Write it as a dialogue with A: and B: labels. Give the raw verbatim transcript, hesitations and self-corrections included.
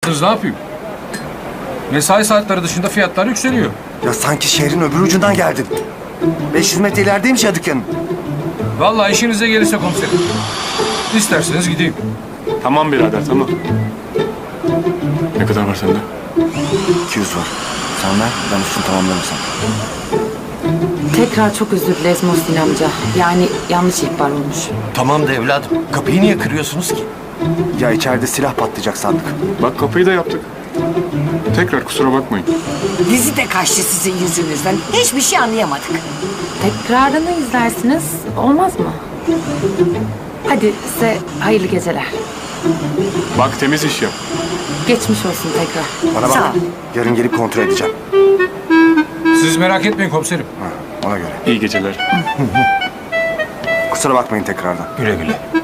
A: yaptınız, ne yapayım? Mesai saatleri dışında fiyatlar yükseliyor.
B: Ya sanki şehrin öbür ucundan geldin. beş yüz metre ilerideymiş ya dükkanın.
A: Vallahi işinize gelirse komiserim. İsterseniz gideyim.
C: Tamam birader, tamam. Ne kadar var sende?
B: iki yüz var. Sen ver, ben üstünü tamamlarım sana.
D: Tekrar çok özür dileriz Muhsin amca. Yani yanlış ihbar olmuş.
E: Tamam da evladım. Kapıyı niye kırıyorsunuz ki?
B: Ya içeride silah patlayacak sandık.
C: Bak kapıyı da yaptık. Tekrar kusura bakmayın.
F: Dizi de kaçtı sizin yüzünüzden. Hiçbir şey anlayamadık.
D: Tekrarını izlersiniz. Olmaz mı? Hadi size hayırlı geceler.
C: Bak temiz iş yap.
D: Geçmiş olsun tekrar.
B: Bana
F: Sağ
B: bak,
F: ol.
B: yarın gelip kontrol edeceğim.
A: Siz merak etmeyin komiserim.
B: Ha, ona göre.
C: İyi geceler.
B: Kusura bakmayın tekrardan.
E: Güle güle.